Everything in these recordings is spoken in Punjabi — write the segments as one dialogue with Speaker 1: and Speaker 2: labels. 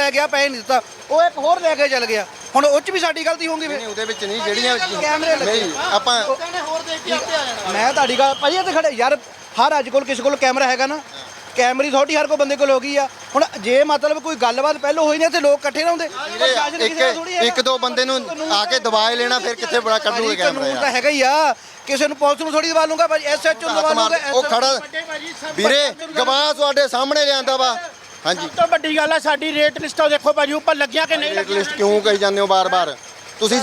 Speaker 1: ਲੈ ਗਿਆ, ਪੈਸੇ ਨਹੀਂ ਦਿੱਤਾ, ਉਹ ਇੱਕ ਹੋਰ ਲੈ ਕੇ ਚੱਲ ਗਿਆ। ਹੁਣ ਉਹ 'ਚ ਵੀ ਸਾਡੀ ਗਲਤੀ ਹੋਊਗੀ ਫਿਰ?
Speaker 2: ਨਹੀਂ ਉਹਦੇ ਵਿੱਚ ਨਹੀਂ, ਜਿਹੜੀਆਂ
Speaker 1: ਕੈਮਰੇ ਲੱਗੇ
Speaker 2: ਨਹੀਂ ਆਪਾਂ
Speaker 1: ਮੈਂ ਤੁਹਾਡੀ ਗੱਲ ਭਾਜੀ ਇੱਥੇ ਖੜੇ ਯਾਰ, ਹਰ ਅੱਜ ਕੋਲ ਕਿਸੇ ਕੋਲ ਕੈਮਰਾ ਹੈਗਾ ਨਾ, ਕੈਮਰੀ ਅਥਾਰਟੀ ਹਰ ਕੋਈ ਬੰਦੇ ਕੋਲ ਹੋ ਗਈ ਆ। ਹੁਣ ਜੇ ਮਤਲਬ ਕੋਈ ਗੱਲਬਾਤ ਪਹਿਲਾਂ ਹੋਈ ਨਹੀਂ ਤੇ ਲੋਕ ਇਕੱਠੇ ਨਾ ਹੁੰਦੇ।
Speaker 2: ਇੱਕ ਦੋ ਬੰਦੇ ਨੂੰ ਆ ਕੇ ਦਬਾਏ ਲੈਣਾ, ਫਿਰ ਕਿੱਥੇ ਬੜਾ ਕੱਢੂਗੇ ਕੈਮਰਾ?
Speaker 1: ਕਾਨੂੰਨ ਤਾਂ ਹੈਗਾ ਹੀ ਆ, ਕਿਸੇ ਨੂੰ ਪੁਲਿਸ ਨੂੰ ਥੋੜੀ ਦਬਾ ਲੂੰਗਾ ਭਾਜੀ, ਐਸਐਚਓ ਨੂੰ ਦਬਾ ਲੂੰਗਾ।
Speaker 2: ਉਹ ਖੜਾ ਵੀਰੇ ਗਵਾਹ ਤੁਹਾਡੇ ਸਾਹਮਣੇ ਲਿਆਂਦਾ ਵਾ। ਹਾਂਜੀ,
Speaker 3: ਸਭ ਤੋਂ ਵੱਡੀ ਗੱਲ ਹੈ ਸਾਡੀ ਰੇਟ ਲਿਸਟਾਂ ਦੇਖੋ ਭਾਜੀ, ਉੱਪਰ ਲੱਗਿਆ ਕਿ ਨਹੀਂ
Speaker 2: ਰੇਟ ਲਿਸਟ ਕਿਉਂ ਕਹੀ ਜਾਂਦੇ ਹੋ ਬਾਰ-ਬਾਰ? ਤੁਸੀਂ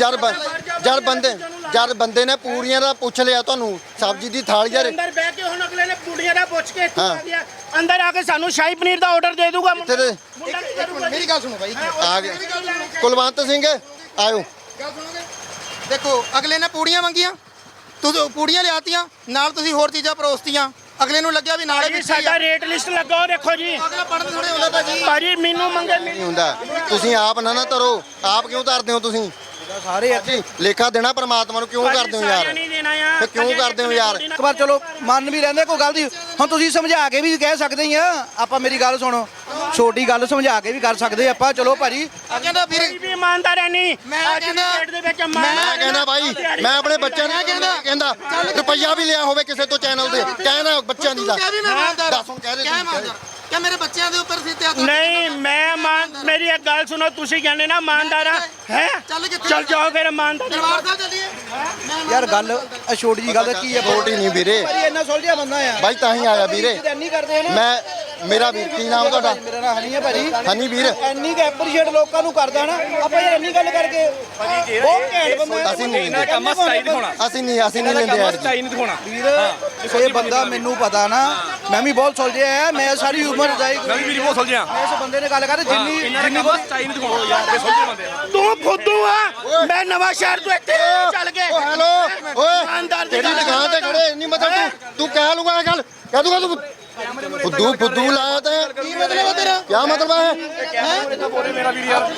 Speaker 2: ਜਦ ਬੰਦੇ ਨੇ ਪੂਰੀਆਂ ਦਾ ਪੁੱਛ ਲਿਆ ਤੁਹਾਨੂੰ, ਸਬਜ਼ੀ ਦੀ ਥਾਲੀ ਯਾਰ
Speaker 3: ਅੰਦਰ ਬਹਿ ਕੇ ਹੁਣ ਅਗਲੇ ਨੇ ਪੂੜੀਆਂ ਦਾ ਪੁੱਛ ਕੇ ਇੱਥੋਂ ਆ ਗਿਆ, ਅੰਦਰ ਆ ਕੇ ਸਾਨੂੰ ਸ਼ਾਹੀ ਪਨੀਰ ਦਾ ਆਰਡਰ ਦੇ ਦੂਗਾ।
Speaker 4: ਮੇਰੀ ਗੱਲ ਸੁਣੋ ਬਾਈ,
Speaker 2: ਆ ਗਏ ਕੁਲਵੰਤ ਸਿੰਘ ਆਇਓ।
Speaker 4: ਗੱਲ ਸੁਣੋਗੇ? ਦੇਖੋ ਅਗਲੇ ਨੇ ਪੂੜੀਆਂ ਮੰਗੀਆਂ, ਤੁਸੀਂ ਪੂੜੀਆਂ ਲਿਆਤੀਆਂ, ਨਾਲ ਤੁਸੀਂ ਹੋਰ ਚੀਜ਼ਾਂ ਪਰੋਸਤੀਆਂ, ਅਗਲੇ ਨੂੰ ਲੱਗਿਆ ਵੀ ਨਾਲੇ ਵਿੱਚ
Speaker 3: ਸਾਡਾ ਰੇਟ ਲਿਸਟ ਲੱਗਾ ਉਹ ਦੇਖੋ ਜੀ।
Speaker 4: ਅਗਲਾ ਪੜਨ ਥੋੜੇ ਹੁੰਦਾ ਭਾਜੀ।
Speaker 3: ਭਾਜੀ ਮੈਨੂੰ ਮੰਗੇ
Speaker 2: ਨਹੀਂ ਹੁੰਦਾ, ਤੁਸੀਂ ਆਪ ਨਾ ਧਰੋ, ਆਪ ਕਿਉਂ ਧਰਦੇ ਹੋ ਤੁਸੀਂ?
Speaker 1: ਸਾਰੇ
Speaker 2: ਜੀ ਲੇਖਾ ਦੇਣਾ ਪਰਮਾਤਮਾ ਨੂੰ, ਕਿਉਂ ਕਰਦੇ ਹੋ ਯਾਰ?
Speaker 3: ਨਹੀਂ ਦੇਣਾ ਆ,
Speaker 2: ਫਿਰ ਕਿਉਂ ਕਰਦੇ ਹੋ ਯਾਰ?
Speaker 1: ਇੱਕ ਵਾਰ ਚਲੋ ਮੰਨ ਵੀ ਲੈਂਦੇ ਕੋਈ ਗਲਤੀ, ਹੁਣ ਤੁਸੀਂ ਸਮਝਾ ਕੇ ਵੀ ਕਹਿ ਸਕਦੇ ਹੀ ਆ। ਆਪਾਂ ਮੇਰੀ ਗੱਲ ਸੁਣੋ, ਛੋਟੀ ਗੱਲ ਸਮਝਾ ਕੇ ਵੀ ਕਰ ਸਕਦੇ ਆਪਾਂ। ਚਲੋ ਭਾਜੀ
Speaker 4: ਕਹਿੰਦਾ ਵੀਰ
Speaker 3: ਵੀ ਇਮਾਨਦਾਰ ਹੈ ਨਹੀਂ,
Speaker 4: ਮੈਂ ਕਹਿੰਦਾ
Speaker 2: ਮੈਂ ਕਹਿੰਦਾ ਭਾਈ, ਮੈਂ ਆਪਣੇ ਬੱਚਿਆਂ ਨੂੰ ਕਹਿੰਦਾ ਰੁਪਈਆ ਵੀ ਲਿਆ ਹੋਵੇ ਕਿਸੇ ਤੋਂ ਚੈਨਲ ਦੇ, ਕਹਿੰਦਾ ਬੱਚਿਆਂ ਦੀ ਦਾ ਦੱਸ ਹੁਣ ਕਹਿ ਰਹੇ
Speaker 4: ਕਿ ਮੇਰੇ ਬੱਚਿਆਂ ਦੇ ਉੱਪਰ ਸੀ ਤੇ
Speaker 3: ਨਹੀਂ ਮੈਂ ਮੇਰੀ ਇੱਕ ਗੱਲ ਸੁਣੋ, ਤੁਸੀਂ ਕਹਿੰਦੇ ਨਾ ਇਮਾਨਦਾਰ ਆ ਹੈ, ਚੱਲ ਜਾਓ ਫਿਰ ਇਮਾਨਦਾਰ।
Speaker 4: ਦਰਬਾਰ ਸਾਹਿਬ ਚੱਲੀਏ
Speaker 1: ਯਾਰ ਗੱਲ ਛੋਟੀ ਜੀ ਗੱਲ ਕੀ ਹੈ?
Speaker 2: ਛੋਟੀ ਨਹੀਂ ਵੀਰੇ,
Speaker 1: ਭਾਜੀ ਇੰਨਾ ਸੁਲਝਿਆ ਬੰਦਾ ਆ
Speaker 2: ਬਾਈ ਤਾਂ ਹੀ ਆਇਆ ਵੀਰੇ।
Speaker 1: ਇੰਨੀ ਕਰਦੇ ਆ ਨਾ।
Speaker 2: ਮੈਂ ਮੇਰਾ ਵੀਰ, ਕੀ ਨਾਮ ਤੁਹਾਡਾ?
Speaker 1: ਮੇਰਾ ਨਾਮ ਹਨੀ ਹੈ ਭਾਜੀ।
Speaker 2: ਹਨੀ ਵੀਰ,
Speaker 1: ਇੰਨੀ ਕੁ ਐਪਰੀਸ਼ੀਏਟ ਲੋਕਾਂ ਨੂੰ ਕਰਦਾ ਨਾ ਆਪਾਂ, ਯਾਰ ਇੰਨੀ ਗੱਲ ਕਰਕੇ ਬਹੁਤ ਘੈਂਟ ਬੰਦਾ।
Speaker 2: ਅਸੀਂ ਨਹੀਂ
Speaker 5: ਇਹਨਾਂ ਕੰਮ ਸਟਾਈਲ ਦਿਖਾਉਣਾ,
Speaker 2: ਅਸੀਂ ਨਹੀਂ ਲੈਂਦੇ ਯਾਰ।
Speaker 5: ਸਟਾਈਲ ਨਹੀਂ ਦਿਖਾਉਣਾ
Speaker 1: ਵੀਰ ਇਹ ਬੰਦਾ ਮੈਨੂੰ ਪਤਾ ਨਾ, ਮੈਂ ਵੀ ਬਹੁਤ ਸੁਲਝਿਆ ਹੈ, ਮੈਂ ਸਾਰੀ ਉਮਰ ਜਾਈ
Speaker 5: ਮੈਂ ਵੀ ਬਹੁਤ ਸੁਲਝਿਆ।
Speaker 1: ਇਸ ਬੰਦੇ ਨੇ ਗੱਲ ਕਰ ਜਿੰਨੀ
Speaker 5: ਜਿੰਨੀ ਬਹੁਤ ਸਟਾਈਲ ਨਹੀਂ ਦਿਖਾਉਣਾ ਯਾਰ, ਇਹ ਸੁਲਝੇ ਬੰਦੇ ਆ।
Speaker 3: ਤੂੰ ਫੁੱਦੂ ਆ, ਮੈਂ ਨਵਾਂ ਸ਼ਹਿਰ ਤੋਂ ਇੱਥੇ ਚੱਲ ਕੇ
Speaker 2: ਹੈਲੋ ਓਏ, ਤੇਰੀ ਦੁਕਾਨ ਤੇ ਖੜੇ ਇੰਨੀ ਮਤਲਬ ਤੂੰ ਕਹਿ ਲੂਗਾ ਇਹ ਗੱਲ, ਕਹਿ ਦੂਗਾ ਤੂੰ ਫੁੱਦੂ ਲਾਇਆ ਤੇ ਕੀ ਮਤਲਬ ਹੈ ਤੇਰਾ? ਕੀ ਮਤਲਬ ਹੈ?
Speaker 5: ਮੇਰਾ ਵੀਰ ਯਾਰ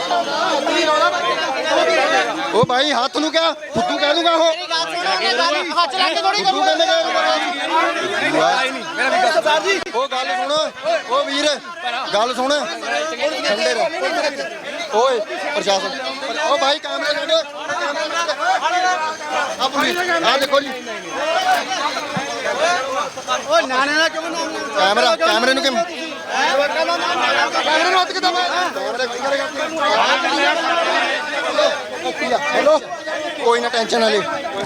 Speaker 2: ਉਹ ਭਾਈ ਹੱਥ ਨੂੰ ਕਿਹਾ ਫੁੱਦੂ ਕਹਿ ਦੂਗਾ ਉਹ,
Speaker 4: ਹੱਥ ਲਾ ਕੇ ਥੋੜੀ
Speaker 2: ਫੁੱਦੂ ਕਹਿੰਦੇ
Speaker 5: ਮੇਰਾ ਵੀਰ
Speaker 1: ਸਰਦਾਰ ਜੀ
Speaker 2: ਉਹ ਗੱਲ ਸੁਣ, ਉਹ ਵੀਰ ਗੱਲ ਸੁਣ, ਠੰਡੇ ਰਹਿ ਓਏ ਪ੍ਰਸ਼ਾਸਨ। ਉਹ ਭਾਈ ਕੈਮਰੇ ਛੱਡ, ਆ ਦੇਖੋ ਜੀ
Speaker 4: ਓ ਨਾਨੇ ਦਾ ਕਿਉਂ ਨਾਮ
Speaker 2: ਕੈਮਰੇ ਨੂੰ ਕਿਵੇਂ
Speaker 4: ਕੈਮਰੇ ਨੂੰ ਹੱਥ ਕਿਦਾਂ
Speaker 2: ਹੈਲੋ ਕੋਈ ਨਾ ਟੈਨਸ਼ਨ ਨਾ ਲੈ।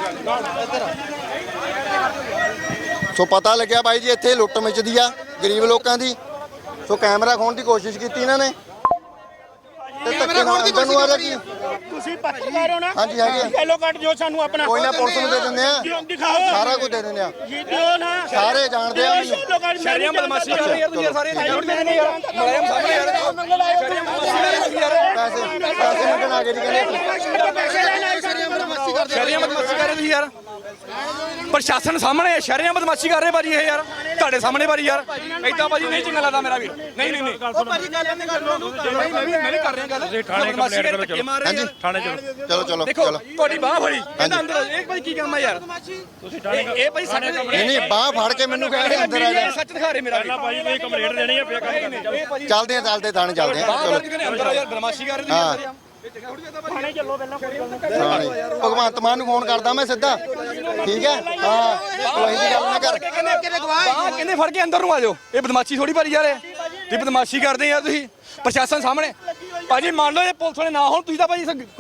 Speaker 2: ਸੋ ਪਤਾ ਲੱਗਿਆ ਬਾਈ ਜੀ ਇੱਥੇ ਲੁੱਟ ਮਚਦੀ ਆ ਗਰੀਬ ਲੋਕਾਂ ਦੀ। ਸੋ ਕੈਮਰਾ ਖੋਣ ਦੀ ਕੋਸ਼ਿਸ਼ ਕੀਤੀ ਇਹਨਾਂ ਨੇ ਤੇ ਧੱਕੇ ਨਾਲ ਅੰਦਰ ਨੂੰ ਆ ਰਿਹਾ ਕੀ?
Speaker 3: ਤੁਸੀਂ ਪੱਤਰਕਾਰ ਹੋ ਨਾ?
Speaker 2: ਹਾਂਜੀ ਹੈਗੇ।
Speaker 3: ਯੈਲੋ ਕਾਰਡ ਜੋ ਸਾਨੂੰ ਆਪਣਾ
Speaker 2: ਕੋਈ ਨਾ ਪੁਲਿਸ ਨੂੰ ਦੇ ਦਿੰਦੇ ਆ,
Speaker 3: ਦਿਖਾਓ
Speaker 2: ਸਾਰਾ ਕੁਝ ਦੇ ਦਿੰਦੇ ਆ,
Speaker 3: ਜੀ ਦਿਓ ਨਾ,
Speaker 2: ਸਾਰੇ ਜਾਣਦੇ ਆ ਮੈਨੂੰ।
Speaker 3: ਯੈਲੋ ਕਾਰਡ
Speaker 5: ਸ਼ਹਿਰੀਆਂ ਬਦਮਾਸ਼ੀ ਕਰ ਰਹੇ ਯਾਰ ਤੁਸੀਂ ਸਾਰੇ
Speaker 3: ਯਾਰ
Speaker 5: ਮਲਾਇਮ ਸਾਹਮਣੇ ਯਾਰ ਸ਼ਹਿਰੀਆਂ ਬਦਮਾਸ਼ੀ ਕਰ ਰਹੇ
Speaker 2: ਪੈਸੇ ਮੰਗਣ ਆ ਗਏ ਜੀ ਕਹਿੰਦੇ।
Speaker 5: ਸ਼ਹਿਰੀਆਂ ਬਦਮਾਸ਼ੀ ਕਰ ਰਹੇ ਤੁਸੀਂ ਯਾਰ, ਪ੍ਰਸ਼ਾਸਨ ਸਾਹਮਣੇ ਸ਼ਹਿਰੀਆਂ ਬਦਮਾਸ਼ੀ ਕਰ ਰਹੇ ਭਾਜੀ ਇਹ ਯਾਰ, ਤੁਹਾਡੇ ਸਾਹਮਣੇ ਭਾਜੀ ਯਾਰ ਏਦਾਂ ਭਾਜੀ ਨਹੀਂ ਚੰਗਾ ਲੱਗਦਾ ਮੇਰਾ ਵੀਰ। ਨਹੀਂ ਨਹੀਂ ਨਹੀਂ ਮੈਂ ਵੀ ਕਰ ਰਿਹਾ ਗੱਲ, ਬਦਮਾਸ਼ੀ ਕਰਕੇ ਧੱਕੇ ਮਾਰ ਰਹੇ ਯਾਰ ਥਾਣੇ
Speaker 2: ਚਲੋ ਚਲੋ
Speaker 5: ਦੇਖੋ
Speaker 2: ਚਲੋ
Speaker 5: ਤੁਹਾਡੀ ਬਾਹ ਫੜੀ ਕਹਿੰਦਾ ਅੰਦਰ ਇਹ ਭਾਈ ਕੀ ਕੰਮ ਆ ਯਾਰ? ਤੁਸੀਂ ਥਾਣੇ ਇਹ ਭਾਈ ਸਾਡੇ
Speaker 2: ਨਹੀਂ ਬਾਹ ਫੜ ਕੇ ਮੈਨੂੰ ਕਹਿੰਦੇ ਅੰਦਰ ਆ ਜਾ।
Speaker 5: ਸੱਚ ਦਿਖਾ ਰਹੇ ਮੇਰਾ ਵੀਰ।
Speaker 6: ਭਾਈ ਤੁਸੀਂ ਕੰਪਲੇਂਟ ਦੇਣੀ ਹੈ ਫੇਰ ਕੰਮ
Speaker 2: ਚੱਲਦੇ ਆ ਥਾਣੇ ਚੱਲਦੇ ਆ ਚਲੋ।
Speaker 5: ਅੰਦਰ ਆ ਯਾਰ ਬਦਮਾਸ਼ੀ ਕਰ ਰਹੇ
Speaker 2: ਹਾਂ
Speaker 5: ਤੁਸੀਂ
Speaker 3: ਥਾਣੇ ਚੱਲੋ ਪਹਿਲਾਂ ਕੋਈ ਗੱਲ ਨਹੀਂ।
Speaker 2: ਥਾਣੇ ਭਗਵੰਤ ਮਾਨ ਨੂੰ ਫੋਨ ਕਰਦਾ ਮੈਂ ਸਿੱਧਾ, ਠੀਕ ਹੈ? ਹਾਂ ਕੋਈ ਦੀ ਗੱਲ ਨਾ ਕਰ।
Speaker 5: ਕਹਿੰਦੇ ਫੜ ਕੇ ਅੰਦਰ ਨੂੰ ਆ ਜਾਓ, ਇਹ ਬਦਮਾਸ਼ੀ ਥੋੜੀ ਭਾਰੀ ਯਾਰ, ਇਹ ਬਦਮਾਸ਼ੀ ਕਰਦੇ ਯਾਰ ਤੁਸੀਂ ਪ੍ਰਸ਼ਾਸਨ ਸਾਹਮਣੇ। ਭਾਜੀ ਮੰਨ ਲਓ ਇਹ ਪੁਲਿਸ ਵਾਲੇ ਨਾ ਹੋਣ, ਤੁਸੀਂ ਤਾਂ ਭਾਜੀ